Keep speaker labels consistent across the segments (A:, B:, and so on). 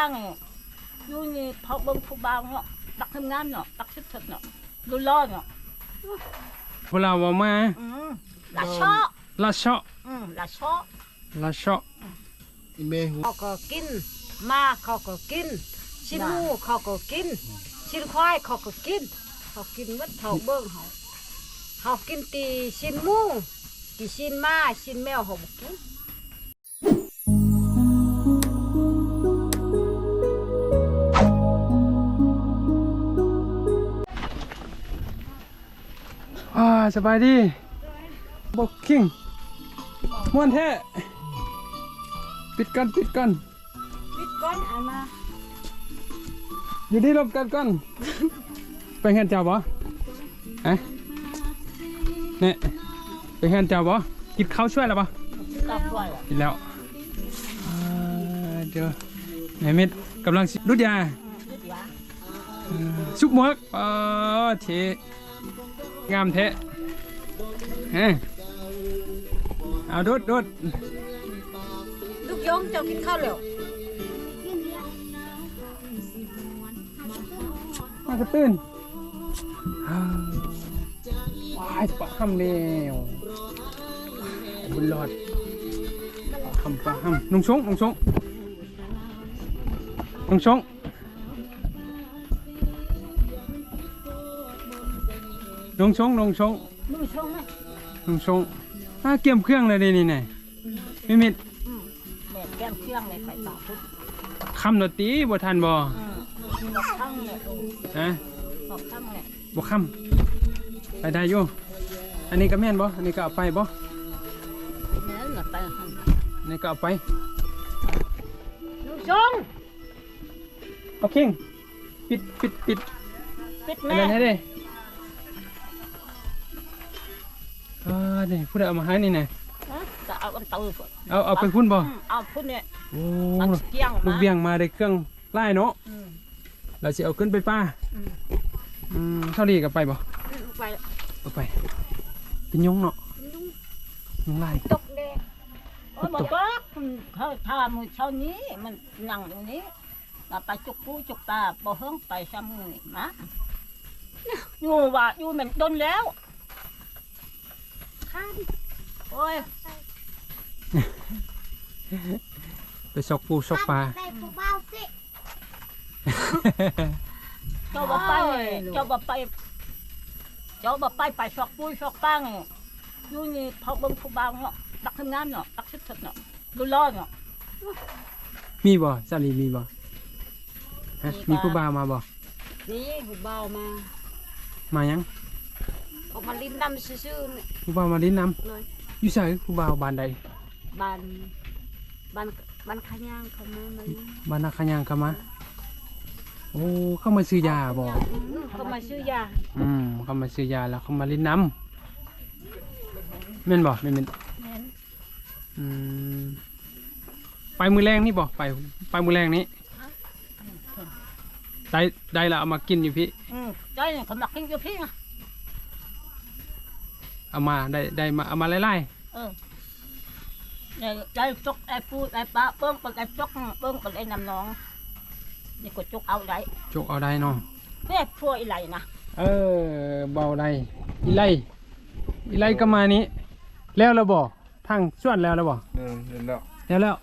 A: ปังยูนี่พอเบิ่งผู้บ่าวเนาะตักทำงานเนาะตักสุดๆเนาะดูร้อนเนาะ
B: พวกเราว่ามา
A: ละชอ
B: ละเชาะ
A: ละชอ
B: ละเชาะ
C: เขาก็กินมาเขาก็กินชิ้นหมูเขาก็กินชิ้นควายเขาก็กินเขากินมัดเท่าเบิ่งเขากินตีชิ้นหมูตีชิ้นมาชิ้นแมวเขาบ่กิน
B: สบายดีบอกคิงม่วนแท้ปิดกัน
C: ปิดก้อนเอามา
B: อยู่ที่รบกันก่อนไปเห็นเจ้าบ่เนี่ยไปเห็นเจ้าบ่กินข้าวช่วยแล้วบ่กินแล้วเดี๋ยวแม่เม็ดกำลังรุดยาซุปหมกเทงามเทเอาดุด
C: ลูกยงเจ้ากินข้าวแล้ว
B: มากระตื้นว้ายปะห้ำเร็วบุญรอดปะห้ำนุ่งชงนุ่งชงนุ่งชงนุ่งชงนุ่งชง
A: นุ่งชงไหม
B: นุ่งชงเกี่ยมเครื่องเลยนี่ไงไม่มิด
A: แม่แก้มเครื่องเลยไปต่อทุก
B: คำดนตรีบ่ทันบ่
A: บอกข้างเนี่ยบอกข้างเนี่ย
B: บ่คำไปได้อยู่อันนี้ก็แม่นบ่อันนี้ก็เอาไปบ่
A: แม่นไป
B: อันนี้ก็เอาไป
A: นุ่งชง
B: โอเคปิด
A: แม่
B: ให้ดินี่พูดเอามาให้นี่ไง
A: จะเอาอันตื้
B: อเอาไปพุ่นบ่
A: เอาพุ่นเนี่ย
B: ลูกเวียงมาได้เครื่องไล่เนาะเราจะเอาขึ้นไปป้าเท่าดีกับไปบ่เอาไปเป็นยงเนาะยงไล่
A: ตกเด้บอกว่าเขาทำมือเช้านี้มันนั่งอยู่นี้เราไปจุกปูจุกตาบ่เฮิงไปซ้ำมือมาอยู่ว่าอยู่เหมือนโดนแล้วโอ้ย
B: ไปซอกปูซอกปลา
A: เจ้าบ่ไปไปซอกปูซอกปังอยู่นี่พอเบิ่งผู้บ่าวเนาะตักทำงานเนาะตักสุดๆเนาะดูร้อนเนาะ
B: มีบ่ซาลีมีบ่มีผู้บ่าวมาบ่
C: นี่ผู้บ่าว
B: มายัง
C: ออกมาลิ้นน้ำซื่อๆเนี่ย
B: ผู้บ่าวมาลิ้นน้ำอยู่ใส่ผู้บ่าวบ้านใด
C: บ้านขยางเขามา
B: บ้านนาขยางเขามาโอ้เข้ามาซื้อยาบ่
C: เขามาซื้อยา
B: เขามาซื้อยาแล้วเขามาลิ้นน้ำแม่นบ่แม่นไปมือแรงนี่บ่ไปมือแรงนี้ได้ละเอามากินอยู่พี่
A: ได้เขามากินอยู่พี่
B: เอามาได้มาเอามาไล่
A: ได้จกไอ้ปูไอ้ปลาเบิ้งเป็นไอ้จกเบิ้งเป็นไอ้น้ำน้องนี่ก็จกเอาได้
B: เนาะ
A: เนี่ยพัวอีไรนะ
B: เบาได้อีไลก็มานี้แล้วเราบ่ทางส่วนแล้วเราบ่แล้ว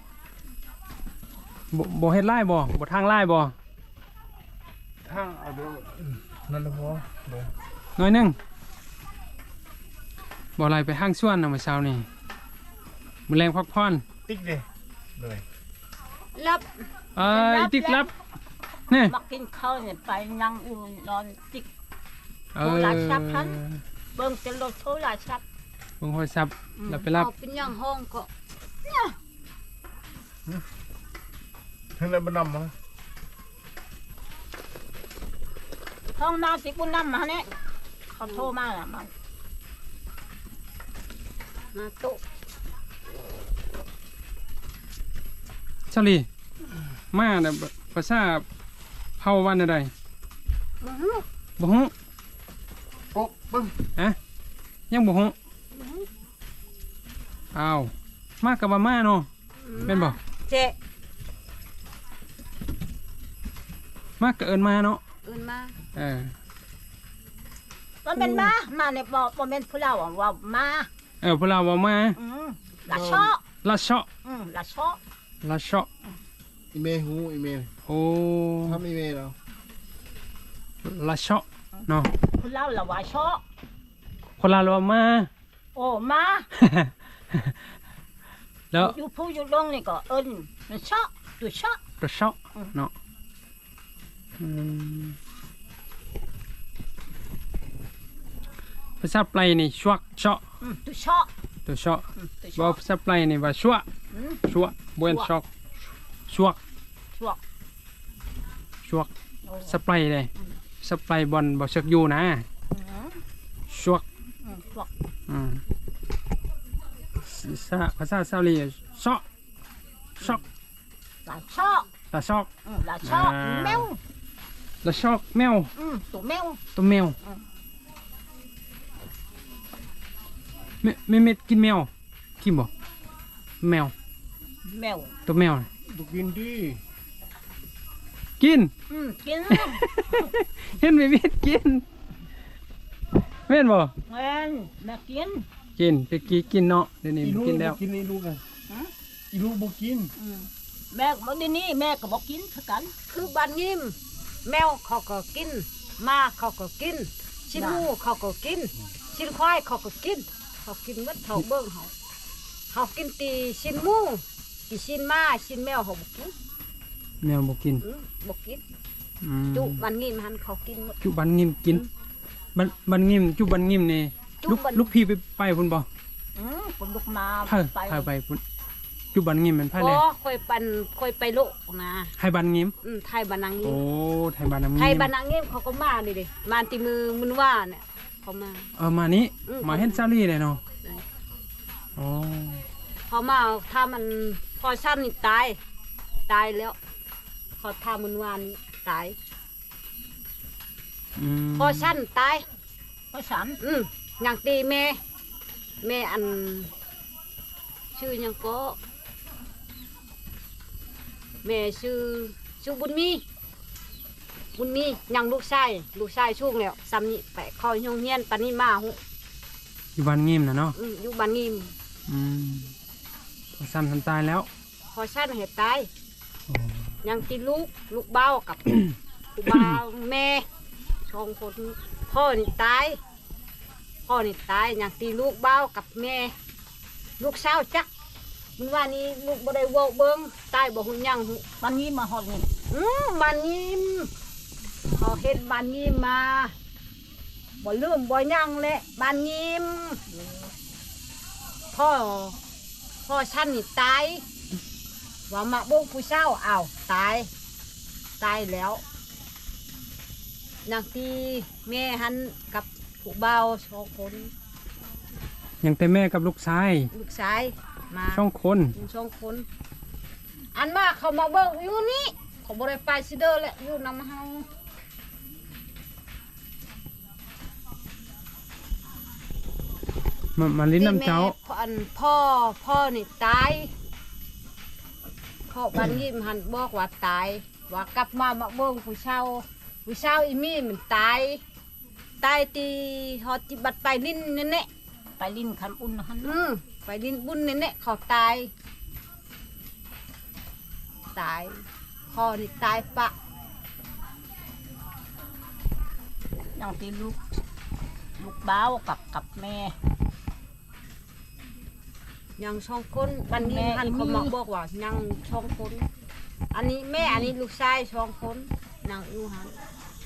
B: บ่เฮ็ดไล่บ่ทางไล่บ่
D: ทางเอาดูนั่นแหละพอ
B: น้อยนึงบ่ไรไปห้างส่วนนะเมื่อเช้านี่มือแรงพักผ่อน
D: ติ๊กเด้เลย
C: รับ
B: ติ๊กรับนี่
A: มากินข้าวเนี่ยไปนั่งอยู่นอนติ๊กโทรศัพท์พันเบิ่งจะลดโทรศัพท์
B: เบิ่งโทรศัพท์แล้วไปรับ
C: เป็นยังห้องก็
D: ทั้งนั้นมันนำมา
A: ห้องนอนสิบุญนำมาเนี่ยเขาโทรมาแล้วมัน
C: มาโต๊ะ
B: ชลีมาเนี่ยภาษาเผาวันอะไรบ่ฮู้
D: โอ้บึ้ง
B: ยังบ่ฮู้อ้าวมากับมาเนาะเป็นบ่
C: เจ๊
B: มากก็เอิ้นมาเนาะ
C: เอิ้นมา
A: มันเป็นมาเนี่ยบ่เป็นผู้เราว่ามา
B: พวกเราว่ามา
A: ละชอ
B: ละเชาะ
A: ละชอ
B: ละเชาะ
D: อีเมลหูอีเมล
B: โอ้
D: ทำอีเมลแล้ว
B: ละเชาะเนาะ
A: ผู้เราละว่าชอ
B: คนลาวว่ามา
A: โอ้มา
B: แล้ว
A: อยู่ผู้อยู่ลงนี่ก็เอิ้นมันชอตุชอ
B: ละเชาะเนาะภาษาปลายนี่ชวกเชาะ
A: ตุชอ
B: ตัวเชาะ
A: ตุช
B: บ่
A: อ
B: ภาษาปลายนี่ว่าชัวชัวบ่เป็นชอกชวก
A: ชั่ว
B: ชวกสปลายเลยสปลายบอลบ่ชักอยู่นะชวก
A: ชั่ว
B: ภาษาซาลีชอกชอก
A: ละชอ
B: ละชอก
A: ละชอแมว
B: ละชอกแมว
A: ตัวแมว
B: ตัวแมวไม่เม็ดกินแมวกินบ่แมว
A: แมว
B: ตัวแมว
D: บุกินดี
B: กิน
A: กิน
B: เห็นไม่เม็ดกินแม่นบ่
A: แม่นแม่กิน
B: กินตะกี้กินเนาะเดี๋ยวนี้บ่กินแล้ว
D: กินอีลูกกันอีลูกบุกิน
A: แม่บอกดีนี่แม่ก็บอกกินคือกัน
C: คือบ้านยิ้มแมวเขาก็กินม้าเขาก็กินชิ้นหมูเขาก็กินชิ้นควายเขาก็กินเขากินหมดเท่าเบิ่งเขากินตีชิ้นหมูตีชิ้นม้าชิ้นแมวเขาบ่กิน
B: แมวบ่กิน
C: บ่กิน
B: อืม
C: จุบ้านยิ้มหันเขากินหมด
B: จุบันงิมกินบันงิมจุบันงิมนี่
C: จุ
B: ลูก
C: บัน
B: ลูกพี่ไปพุ่นบ่
A: คนลุกมา
B: พาไปพุ่นจุบันงิมมันพาเลย
C: ค่อยไปโลกนะ
B: ให้บันงิม
C: ไทยบ้านนางยิ้
B: โอ้
C: ม
B: ไทยบ้านน้ำงิม
C: ไทยบ้านนางยิ้มเขาก็มานี่ดิมาตีมือมันว่าเนี่ยเขามา
B: มานี้
C: อืม
B: มาเฮ็ดซาลี่เลยเนาะ
C: ได้
B: อ๋อ
C: เขามาถ้ามันพอสั้นนี่ตายแล้วเขาทำมันวานนี่ตาย พอสั้นตาย
A: ภาษา
C: อย่างตีแม่อันชื่อหยังก็แม่ชื่อบุญมียังลูกชายช่วงแล้วซ้ำนี่ไปเข้าโรงเรียนปานนี้มาหุ
B: อยู่บ้านงิมนะเนาะ
C: อยู่บ้านงิม
B: พอซ้ำทันตายแล้ว
C: พอสั้นเหตุตายยังตีลูกเบ้ากับ ลูกเบ้าแม่สองคนพ่อนี่ตายอย่างตีลูกเบ้ากับแม่ลูกสาวจักมันว่านี่ลูกบ่ได้เว้าเบิ่งตายบ่ฮู้หยังฮู้
A: วันนี้มาหอดนี่
C: บ้านนี้เขาเฮ็ดบ้านนี้มาบ่ลืมบ่หยังแหละบ้านนี้พ่อฉันนี่ตายว่ามาบ่งผู้เฒ่าอ้าวตายแล้วนางตีแม่หันกับผู้เบาสองคน
B: ยังแต่แม่กับลูกชาย
C: ลูกชายมา
B: ช่องคน
C: สองคน อันมาเขามาเบิ่งอยู่นี่เขาบ่ได้ไปซิเด้อแหละอยู่นำเฮา
B: มาลิ้นน้ำเจ้า
C: อันพ่อนี่ตายพ่อบันยิ้มหันบอกว่าตายว่ากลับมาเบิ่งผู้เฒ่าอีมี่มันตายตีฮอดจิบัดไปลิ้นนั่นแหละ
A: ไปลิ้นคำอุ่นหัน
C: ไปดินบุญนี่เนี่ยเขาตายพ่อนี่ตายปะ
A: อย่างที่ลูกบ้าวกับแม่
C: ยังช่องคนบันนี้หันเขามาบอกว่ายังช่องคนอันนี้แม่อันนี้ลูกชายช่องคนนางอยู่หัน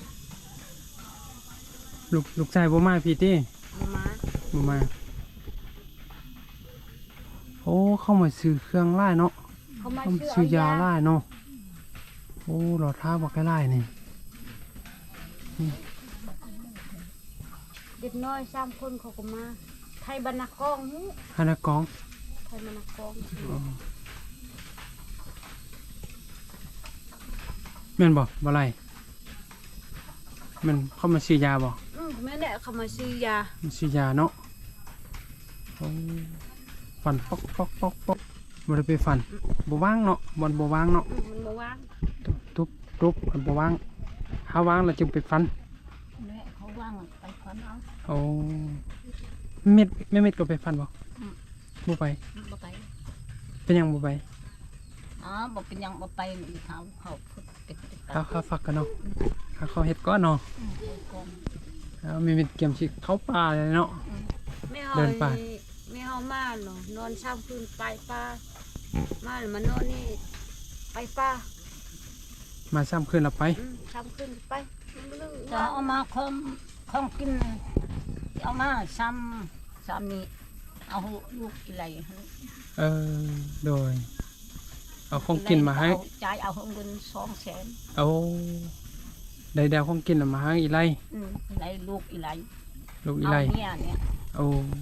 B: ลูกชายบ่มาพี่ติ
C: มา
B: บ่มาโอ้เข้ามาซื้อเครื่องไล่เนาะ
C: เขามา
B: เข้ามา
C: ชื่
B: ซื้อยาไล่เนาะโอ้รอท้าบ่ใกล้ไล่นี่
C: เด็กน้อย3 คนเขาก็มาไทยบรรณากอง
B: ฮานากอง
C: ไทยบรรณากอง
B: แม่นบ่ไรมันเข้ามาซื้อยาบ่
C: แม่เนี่ยเขามาซื้อยา
B: มันซื้อยาเนาะโอ้ฟันปอกบ่ได้ไปฟันบ่ว่างเนาะบ่ว่างเนาะ
C: มันมาว่าง
B: ทุบมันบ่ว่างหาวางแล้วจึงไปฟัน
A: แม่เขาว่างไปฟันเอา
B: โอ้เม็ดแม่เม็ดก็ไปฟันบ่บ่ไป
A: บ่ไป
B: เป็นหยังบ่ไป
A: อ๋อบ่เป็นหยังบ่ไปนี่เขาฝึกติด
B: ข้าวฟักกันเนาะข้าวเฮ็ดก้อนเนาะ
A: ก่อน
B: แล้วมีเม็ดเกียมสิเข้าป่าเลยเนาะ
C: ไม่
B: เดินป่า
C: ไม่เฮามาเนาะนอนเช้าคืนไปป่ามาแล้วมานอนนี่ไปป่า
B: มาซ้ำคืนแล้วไป
C: เช้าคืนไปลึง
A: จะเอามาของกินเอามาซ้ำนี่เอาลูกอะไร
B: เออโดยเอาของกินมาให้
A: จ่ายเอาเงิน200,000
B: เอาได้แดวของกินมาให้อีไล
A: ไรลูกอีไร
B: ลูกอี
A: เอา
B: ไล
A: เนี่ย
B: โอ้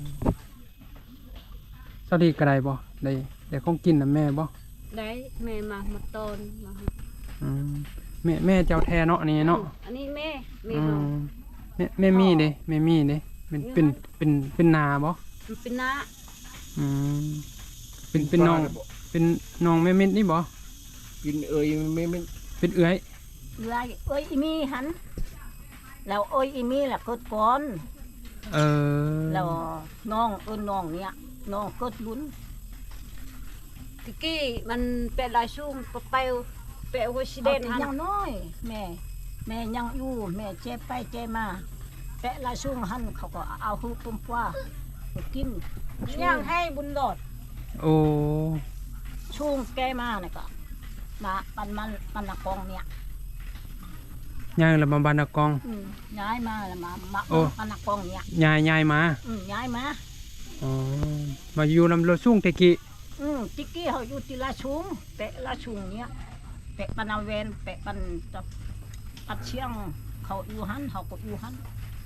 B: สวัสดีกระไดบ่ได้ของกินนะแม่บ่
C: ได้แม่มาตอนมา
B: อืมแม่เจ้าแท้เนาะนี่เนาะ
C: อันนี้แม่
B: อื
C: เฮาม
B: แม่มีเด้แม่มีเด้เป็นนาบ่
C: มันเป็นน้า
B: อืมเป็นน้องเป็นน้องแม่เม็ดนี่บ่
D: กินไม่
B: เป็นเอื้อย
A: ไรอีมีหันแล้วอีมีล่ะกดก่อน
B: เออ
A: แล้วน้องน้องเนี่ยน้องกดลุ้น
C: ตะกี้มันเป็นลายชุ่มไปเปะหัวชิเด
A: เด่
C: น
A: น
C: หัน
A: ยังน้อยแม่ยังอยู่แม่เจ็บไปเจ็บมาแปะละช่วงหันเขาก็เอาหูปุ่มว่ากิน
C: ย่างให้บุญหลอด
B: โอ้
A: ช่วงแกมาเนี่ยก็มาปันนักกองเนี่ย
B: ย่างแล้วมาบานนากอง
A: ย้ายมาแล้วมา
B: โอ้
A: ปันนักกองเนี่ย
B: ยายมา
A: ย้ายมา
B: อ๋อมาอยู่ลำรถสูงตะกี้
A: จิกกี้เขาอยู่ที่ละชุงแปะละชุงเนี่ยแปะปันนาเวนแปะปัดเชียงเขาอยู่หันเขาก็อยู่หัน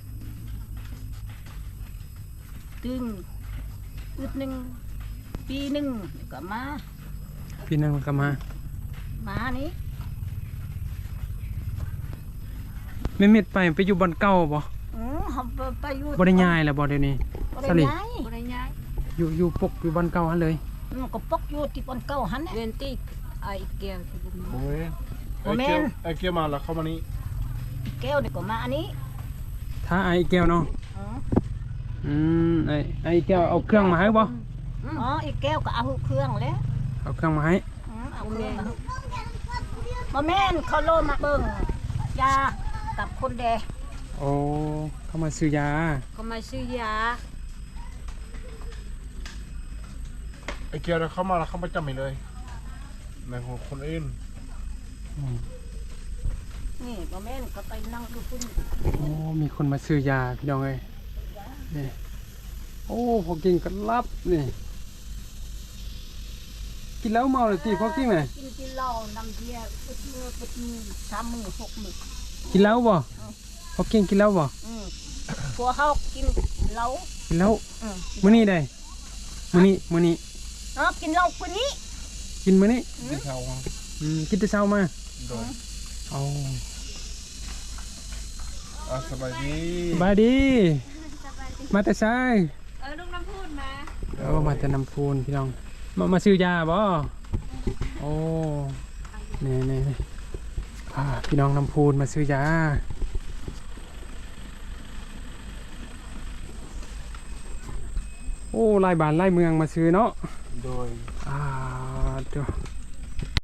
A: ตึงอึดหนึ่งปีหนึ่งก็มา
B: พี่นึงก็มา
A: นี้
B: แม่เม็ดไปอยู่บ้านเก่าบ่
A: เขาไปอยู่
B: บ่ได้ย้ายแล้วบ่เดี๋ยวนี้
A: บ่
B: สลิ
A: ได้ย้าย
C: บ่ได้ย้าย
B: อยู่ปกอยู่บ้านเก่าหั่นเลย
A: ก็ปกอยู่ที่ปนเก้าหัน
C: เวนตี้ไอเกียวที่บุญ
D: โอ้ยไอเกียวมาแล้วเข้ามานี่
A: แก้วเด็กก็มาอันนี้
B: ถ้าไอ้แก้วเนาะ
A: อืม
B: ไอ้แก้วเอาเครื่องมาให้บ่
A: อีกแก้วก็เอาเครื่องแล้ว
B: เอาเครื่องมาให้
A: เอาเครื่องมาแม่นเขาโลมาเบิ่งยากับคนแด
B: โอ้เข้ามาซื้อยา
C: เขามาซื้อยา
D: ไอเกียวเข้ามาแล้วเข้ามาจำไม่เลยในของคนอื่น
A: นี่มาแม่นก็ไปนั่งดูคุณ
B: โอ้มีคนมาซื้อยาพี่น้องเอ้ยนี่โอ้พอกินกันลับนี่กินแล้วเมาเลยตีพอกินไหม
A: กินเหล้าน้ำเบียร์ปดมือ3 มื้อ6 มื้อ
B: กินแล้วบ่พอกินแล้วบ่
A: พวกเขากินเหล้า
B: กินแล้วมื้อนี้ได้มื้อนี้
A: กินเหล้าคนนี้
B: กินมื้อนี้
D: ที่เขา
B: กินแต่เช้ามา
D: โดน
B: เอา
D: สบายดี
B: บายดี มาแต่ซ้าย
C: ลุงน้ำพูดมา
B: มาแต่น้ำพูนพี่น้อง มาซื้อยาบ่โอ้นี่พี่น้องน้ำพูนมาซื้อยาโอ้ลายบ้านลายเมืองมาซื้อเนาะ
D: โดย
B: เดี๋ยว